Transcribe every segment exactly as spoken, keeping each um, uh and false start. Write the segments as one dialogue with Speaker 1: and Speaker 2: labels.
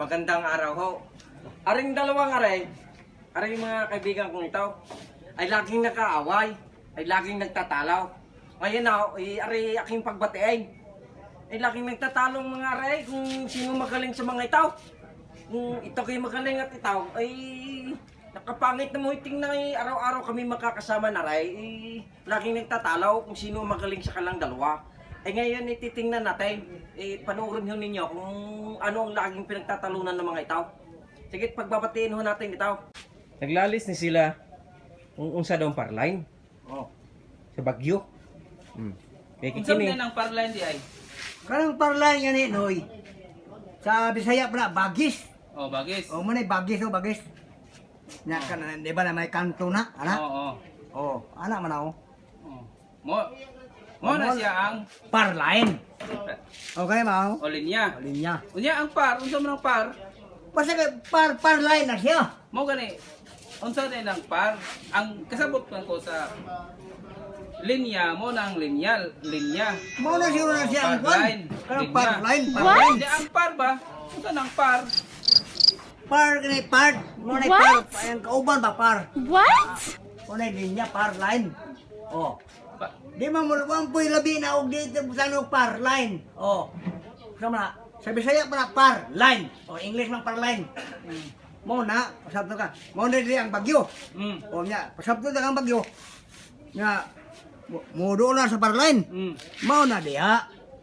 Speaker 1: Magandang araw ho. Aring dalawang aray, aring mga kaibigan kong ito, ay laging nakaaway, ay laging nagtatalaw. Ngayon na, ay aray aking pagbatiin. Ay laging nagtatalong mga aray kung sino magaling sa mga ito. Kung ito kayo magaling at ito, ay nakapangit na mo tingnan ay araw-araw kami makakasama na aray. Ay laging nagtatalaw kung sino magaling sa kalang dalawa. Eh ngayon ititingnan natin, eh panoorin ho ninyo kung ano ang laging pinagtatalunan ng mga itaw. Sige, pagbabatiin ho natin itaw. Naglalis ni sila kung unsa daw parline.
Speaker 2: Oh.
Speaker 1: Sa Bagyo. Hmm. Kaya
Speaker 3: Unsa
Speaker 1: kikini.
Speaker 3: man ang parline di ay?
Speaker 2: Karang parlay nga ni Noy. Sa Bisaya pala bagis.
Speaker 3: Oh, bagis.
Speaker 2: O mo na bagis o bagis. Nya kan di ba na may kanto na, ana?
Speaker 3: Oo, oo.
Speaker 2: Oh, ana man ako.
Speaker 3: Oh. Mo Mo na siya ang
Speaker 2: Parlain. Okay mao.
Speaker 3: o linya.
Speaker 2: Linya.
Speaker 3: Unya ang par, unsa man ang par?
Speaker 2: Basta ka par parlain na siya.
Speaker 3: Mo gani. Unsa din ang par? Ang kasabot man ko sa linya mo na ang linyal, linya.
Speaker 2: Mao na siguro na siya ang
Speaker 3: Parlain.
Speaker 2: kwan. Karang
Speaker 3: Linya.
Speaker 2: parlain, parlain.
Speaker 3: Hindi ang par ba? Unsa nang par?
Speaker 2: Par ni part. Mo na par. Ang kauban ba par?
Speaker 4: What?
Speaker 2: Mo na linya parlain. Oh.
Speaker 3: Pa-
Speaker 2: Di man mo ang puy labi na og dito sa no par line. Oh. Sama na. Sa Bisaya para par line. O English man par line. Mo na, pasabto ka. Mo na dili ang bagyo.
Speaker 3: Mm.
Speaker 2: O nya, pasabto na ang bagyo. Nga mo- mo do na sa par line.
Speaker 3: Mm.
Speaker 2: Mo na diha.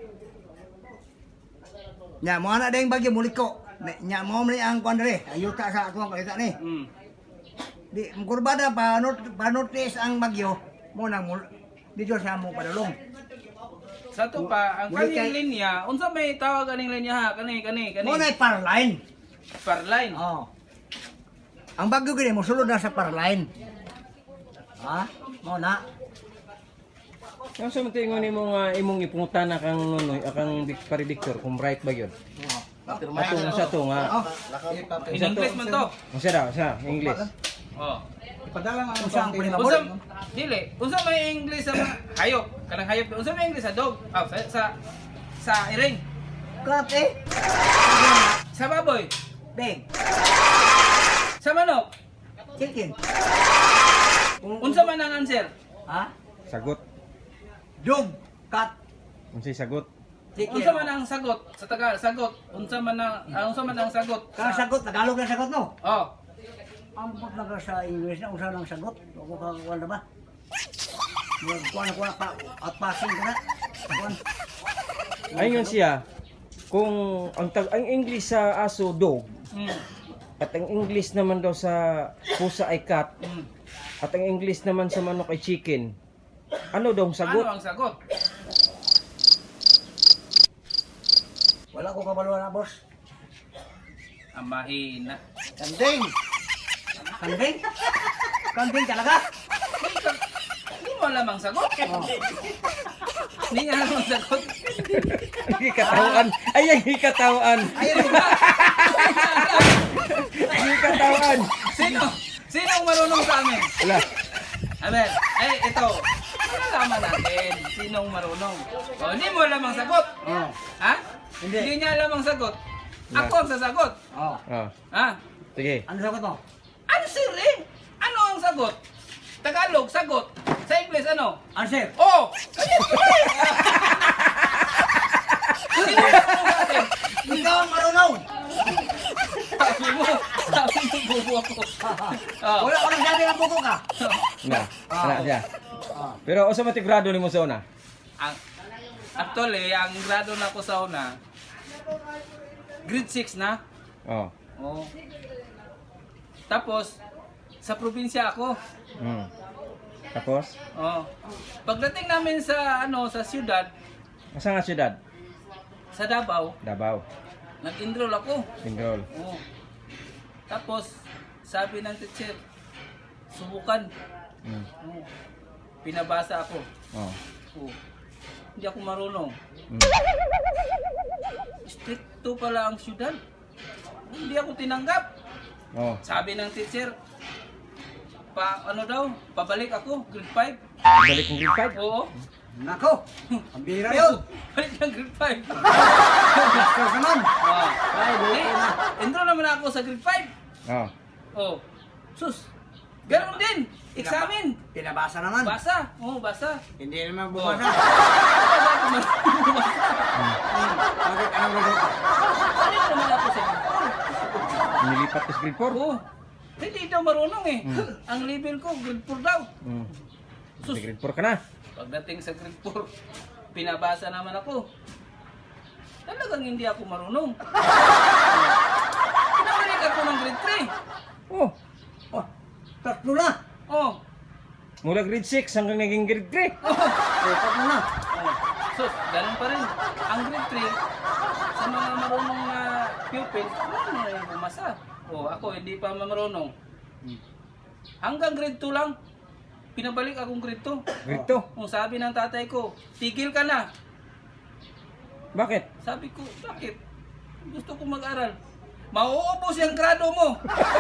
Speaker 2: Nya mo na ding bagyo muliko. Nya mo man ang kwan dere. Ayuta sa akong kalita ni.
Speaker 3: Mm.
Speaker 2: Di kurbada pa not pa notice ang bagyo. Mo na mul dito sa mo padulong.
Speaker 3: Sa to pa ang
Speaker 2: Muli
Speaker 3: kaning
Speaker 2: kay-
Speaker 3: linya, unsa may tawag kaning linya ha? Kani kani kani.
Speaker 2: Mo na par line.
Speaker 3: Parline.
Speaker 2: Oh. Ang bagyo gini mo sulod na sa par line. Ha? Mo na.
Speaker 1: Ang sa matingon ni mo nga imong ipungutan na kang nunoy, akang Vic- pari Victor, kung right ba yun?
Speaker 2: Oh.
Speaker 1: Atong sa to nga.
Speaker 2: Oh.
Speaker 3: In English man to.
Speaker 1: Unsa daw, sa English.
Speaker 3: Oh.
Speaker 2: Ipadala nga ang sang
Speaker 3: Unsa
Speaker 2: pinabot.
Speaker 3: dili, unsa may English sa mga hayop? Kanang hayop, unsa may English sa dog? Ah, sa sa, sa iring,
Speaker 2: Kat eh.
Speaker 3: sa baboy,
Speaker 2: Big.
Speaker 3: sa manok.
Speaker 2: Chicken.
Speaker 3: Unsa man ang answer?
Speaker 2: Ha?
Speaker 1: Sagot.
Speaker 2: Dog. Cat.
Speaker 1: Unsay sagot?
Speaker 2: Chicken.
Speaker 3: Unsa man ang sagot sa Tagalog? Sagot. Unsa man ang ah, unsa man ang sagot?
Speaker 2: Kang
Speaker 3: Sa,
Speaker 2: sagot Tagalog na sagot no.
Speaker 3: oh.
Speaker 2: Ang pag naga sa English na usa lang sagot. Ako ka kuan na ba? Mag kuan kuan pa at passing ko na. Kuan.
Speaker 1: Ayun siya, kung ang, tag ang English sa aso dog,
Speaker 3: Mm.
Speaker 1: at ang English naman daw sa pusa ay cat,
Speaker 3: Mm.
Speaker 1: at ang English naman sa manok ay chicken, ano daw ang
Speaker 3: Ano
Speaker 1: sagot?
Speaker 3: ang sagot?
Speaker 2: Wala ko kabaluan na boss.
Speaker 3: Ang mahina.
Speaker 2: Kanding. Kanding? Kanding talaga?
Speaker 3: Hindi mo alam ang sagot.
Speaker 2: Oh.
Speaker 3: Hindi niya alam ang sagot.
Speaker 1: Ay, katawan. Ay, ay, katawan.
Speaker 2: Ayun ba?
Speaker 1: Ay, katawan.
Speaker 3: Sino? Sino ang marunong sa amin?
Speaker 1: Wala.
Speaker 3: Amen. Ay, ito. Malalaman natin sinong marunong. O, hindi mo alam ang sagot.
Speaker 2: Oh.
Speaker 3: Ha?
Speaker 2: Hindi.
Speaker 3: Hindi niya alam ang sagot. Ako ang sasagot.
Speaker 2: Oh.
Speaker 1: Oh,
Speaker 3: Ha?
Speaker 1: sige.
Speaker 2: Ano sagot mo?
Speaker 3: Ano sir Ano ang sagot? Tagalog, sagot. Sa English, ano?
Speaker 2: Answer.
Speaker 3: Oh! Ayan, Sino ang marunong sa atin?
Speaker 2: Ikaw ang marunong.
Speaker 3: Sabi mo, sabi mo, bubo ako. Oh.
Speaker 2: Wala ko nang sabi ng buko ka.
Speaker 1: Na, na siya.
Speaker 2: Ah.
Speaker 1: Pero usa man ti grado nimo sa una?
Speaker 3: Ang, actually, ang grado na ko sa una, grade six na.
Speaker 1: Oh.
Speaker 3: Oh. Tapos, sa probinsya ako.
Speaker 1: Hmm. Tapos,
Speaker 3: Oh. Pagdating namin sa ano sa siyudad,
Speaker 1: asa nga syudad?
Speaker 3: sa Davao,
Speaker 1: Davao.
Speaker 3: nag-enroll ako.
Speaker 1: Singrol.
Speaker 3: Oh. Tapos, sabi ng teacher, subukan.
Speaker 1: Hmm.
Speaker 3: Oh. Pinabasa ako.
Speaker 1: Oh.
Speaker 3: Oh. Hindi ako marunong.
Speaker 1: Hmm.
Speaker 3: Stricto pala ang siyudad. Hindi ako tinanggap.
Speaker 1: Oh.
Speaker 3: Sabi ng teacher, pa ano daw, pabalik ako, grade five.
Speaker 1: Balik ng grade five.
Speaker 3: Oo.
Speaker 2: Nako, ang bira yun.
Speaker 3: Balik ng grade five.
Speaker 2: Master naman.
Speaker 3: Oh.
Speaker 2: Ay, buo
Speaker 3: Eh,
Speaker 2: na.
Speaker 3: intro naman ako sa grade five.
Speaker 4: Oh.
Speaker 3: Oh. Sus. Ganun din. Examen.
Speaker 2: Pinabasa naman.
Speaker 3: Basa. Oh, basa.
Speaker 2: Hindi naman bumasa. Bakit anong resulta?
Speaker 3: Balik naman ako sa grade four.
Speaker 4: Nilipat ka sa grade four?
Speaker 3: Oo. Hindi daw marunong eh.
Speaker 4: Mm.
Speaker 3: Ang level ko, grade four daw.
Speaker 4: Hmm.
Speaker 3: Sus.
Speaker 4: Sa grade four ka na.
Speaker 3: Pagdating sa grade four, pinabasa naman ako. Talagang hindi ako marunong. Pinabalik ako ng grade three.
Speaker 4: Oh.
Speaker 2: Oh, tatlo na.
Speaker 3: Oh.
Speaker 4: Mula grade six hanggang naging grade three.
Speaker 3: Oh.
Speaker 2: Oh, tatlo na.
Speaker 3: Oh. Sus, ganun pa rin. Ang grade three, sa mga marunong na pupils, ano na yung bumasa. Oh, ako hindi pa marunong. Hanggang grade two lang, pinabalik akong grade two.
Speaker 4: Grade two.
Speaker 3: Kung sabi ng tatay ko, tigil ka na.
Speaker 4: Bakit?
Speaker 3: Sabi ko, bakit? Gusto ko mag-aral. Mauubos yung grado mo.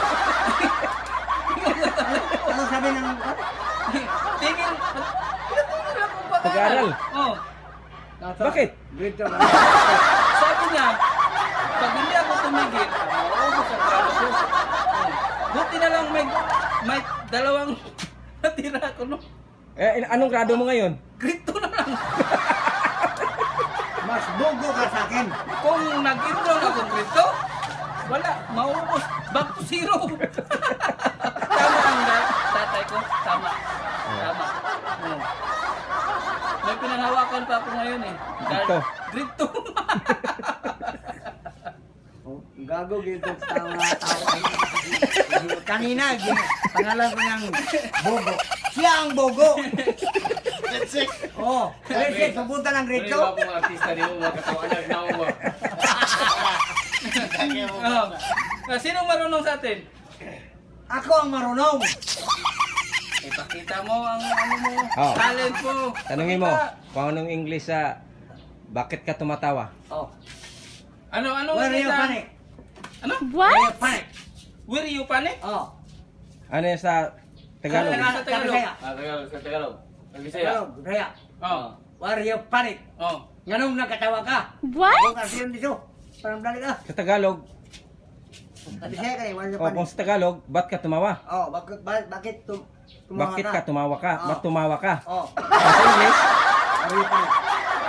Speaker 2: Ano sabi ng...
Speaker 3: Tigil. Tigil ako
Speaker 4: Pag-aral?
Speaker 3: pag-aral. Oh.
Speaker 4: Bakit?
Speaker 2: Grade two na.
Speaker 3: Sabi niya, pag hindi ako tumigil, mauubos ang grado ko. Oh. Buti na lang may, may dalawang natira ako, no?
Speaker 4: Eh, il- anong grado mo ngayon?
Speaker 3: Grade two na lang.
Speaker 2: Mas bogo ka sa akin.
Speaker 3: Kung nag-enroll ako grade two, wala, mauubos. Back to zero. Tama ang da- tatay ko. Tama. Tama. Oo. May pinanghawakan pa ako ngayon eh.
Speaker 4: Grade two.
Speaker 3: Grade two.
Speaker 2: Oh, gago gito sa mga tao. Kanina, gin- pangalan ko ng bogo. Siya ang bogo.
Speaker 5: Grade six.
Speaker 2: Oh, grade six, pupunta ng grade two.
Speaker 1: mga artista niyo, mga katawanan na mo.
Speaker 3: Oo. Ah, Sinong marunong sa atin?
Speaker 2: Ako ang marunong.
Speaker 3: Ipakita mo ang ano mo,
Speaker 4: Oh.
Speaker 3: talent mo.
Speaker 4: Tanungin mo,
Speaker 3: Pakita.
Speaker 4: kung anong English sa bakit ka tumatawa?
Speaker 2: Oh,
Speaker 3: Ano, ano?
Speaker 2: where you
Speaker 3: Isa?
Speaker 2: panic?
Speaker 3: Ano?
Speaker 2: Where you panic?
Speaker 3: Where you panic?
Speaker 2: Oh,
Speaker 4: Ano yan sa Tagalog?
Speaker 3: Ano?
Speaker 2: Tagalog, Tagalog.
Speaker 1: Ah, Tagalog, sa Tagalog.
Speaker 2: Tagalog, Bisaya.
Speaker 3: Oh.
Speaker 2: Where you panic?
Speaker 3: Oh.
Speaker 2: Nganong nakatawa ka?
Speaker 6: What?
Speaker 2: Ako kasi yun dito. Parang dali ka.
Speaker 4: Sa Tagalog,
Speaker 2: Bisaya ka eh, where you
Speaker 4: o kung
Speaker 2: panic?
Speaker 4: sa Tagalog, ba't ka tumawa?
Speaker 2: Oh, bakit, ba- bakit tum tumawa
Speaker 4: Bakit ka tumawa ka?
Speaker 2: Oh.
Speaker 4: Ba't tumawa ka?
Speaker 2: Oh,
Speaker 4: Sa English,
Speaker 2: where you panic?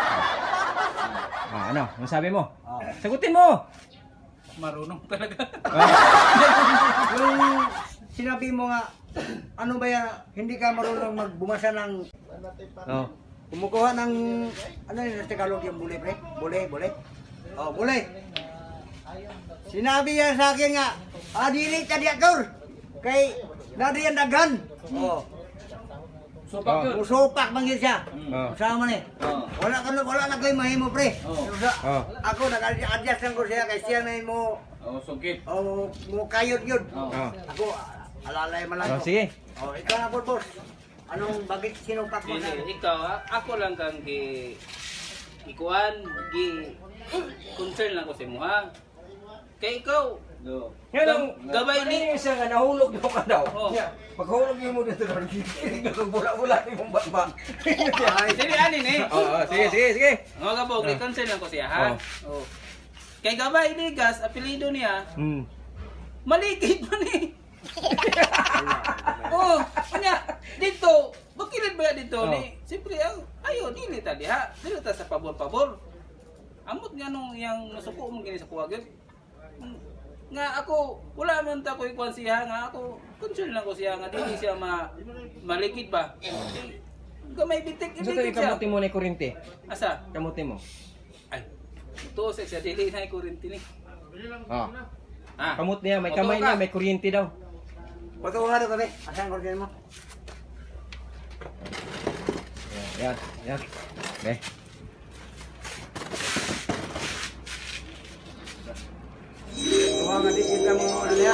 Speaker 4: ah, ano? Ano sabi mo?
Speaker 2: Oh.
Speaker 4: Sagutin mo!
Speaker 3: Marunong talaga.
Speaker 4: Ah,
Speaker 2: Yung sinabi mo nga, ano ba yan, hindi ka marunong magbumasa ng,
Speaker 4: oh.
Speaker 2: kumukuha ng, ano yun sa Tagalog yung bule, pre? Bule, bule? Oh, bule. Sinabi yan sa akin nga, ah, dili ka diator. Kay, nadi yan dagan. Oh,
Speaker 3: Supak
Speaker 4: Oh.
Speaker 3: yun.
Speaker 2: musupak man yun siya.
Speaker 4: Oh.
Speaker 2: Sama ni.
Speaker 3: Oh.
Speaker 2: Wala ka na, wala na kayo mahimo, pre.
Speaker 3: Oh.
Speaker 2: Pero sa-
Speaker 4: Oh.
Speaker 2: Ako, nag-adjust lang ko siya, kay siya na mo,
Speaker 3: Oh, sungkit.
Speaker 2: oh, mo kayod yun.
Speaker 3: Oh.
Speaker 4: Oh.
Speaker 2: Ako, alalay man lang
Speaker 4: Oh,
Speaker 2: ko.
Speaker 4: sige.
Speaker 2: Oh, ikaw na po, boss. Anong bakit sinupak mo na?
Speaker 3: Dili, ikaw, ah, ako lang kang gi ikuan, gi concern lang ko sa imo ha. Kay ikaw, do.
Speaker 1: Yan ang
Speaker 3: Gabay ni-
Speaker 1: Ano yung isa nga nahulog daw ka daw.
Speaker 3: Oh.
Speaker 1: Yeah. Paghulog niyo mo dito doon, kikilig ka kung bula-bula ni mong batba.
Speaker 2: Ay,
Speaker 3: Dili anin eh.
Speaker 4: Oh, oh, sige, sige, sige.
Speaker 3: Mga kabog,
Speaker 4: Ah.
Speaker 3: concern lang ko siya ha. Oh. Kay Gabay Ligas, apelido niya,
Speaker 4: Hmm.
Speaker 3: maligid man eh. Oh, kanya dito, bakilid ba dito
Speaker 4: Oh.
Speaker 3: ni? Siyempre ang ayo dili ta diha. Dili ta sa pabor-pabor. Amot nga nung yang nasuko mo gini sa kuwagid. Nga ako, wala man ta ko ikuan siya nga ako, concern lang ko siya nga dili siya ma maligid ba. Eh, Gamay bitik
Speaker 4: Gusto
Speaker 3: iligid
Speaker 4: tayo
Speaker 3: siya.
Speaker 4: kamuti mo na yung kurente.
Speaker 3: Asa?
Speaker 4: Kamuti mo.
Speaker 3: Ay. Ito sa siya dili na kuryente ni.
Speaker 4: Oh.
Speaker 3: Ah.
Speaker 4: Kamot niya, may
Speaker 3: Motor
Speaker 4: kamay
Speaker 3: ka.
Speaker 4: niya, may kuryente daw.
Speaker 2: patuwa na kami. Asan ko mo?
Speaker 4: Yan, yan. Okay.
Speaker 2: Tuwa nga di kita mo ano niya.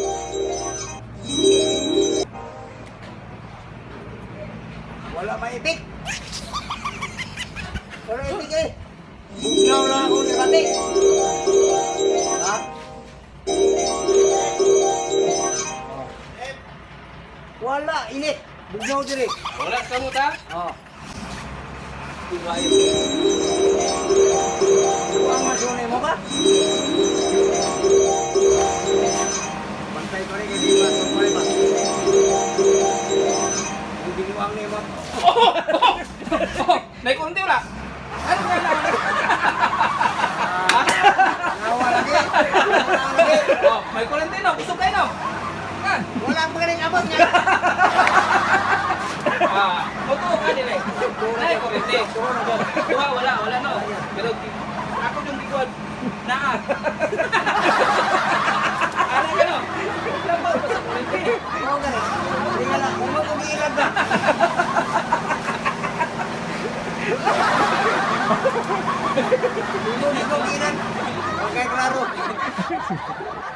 Speaker 2: Wala maipik. Wala ipik eh. Bugnaw lang ako ni Kati. Ha? Wala, init. Bugnaw diri.
Speaker 3: Wala ka mo ta?
Speaker 2: Oh. Ang masunay mo ka? Bantay ko rin, hindi ba? Bantay ba? Hindi mo ang nemo.
Speaker 3: Oh, naikunti wala. Ano nga lang?
Speaker 2: Nawa lagi. Nawa lagi.
Speaker 3: Oh, may Valentino, gusto kayo no? Kan?
Speaker 2: Wala pa rin abot niya.
Speaker 3: Ah, totoo ka nila. Ay, kurente. Duha, wala, wala no. Pero ako yung bigod. Naa. Ano ka no? Labaw pa sa kurente.
Speaker 2: Oo, ganun. Hindi nga lang. Kung mag-umiilag ka. Hindi mo mag-umiilag. Okay, klaro.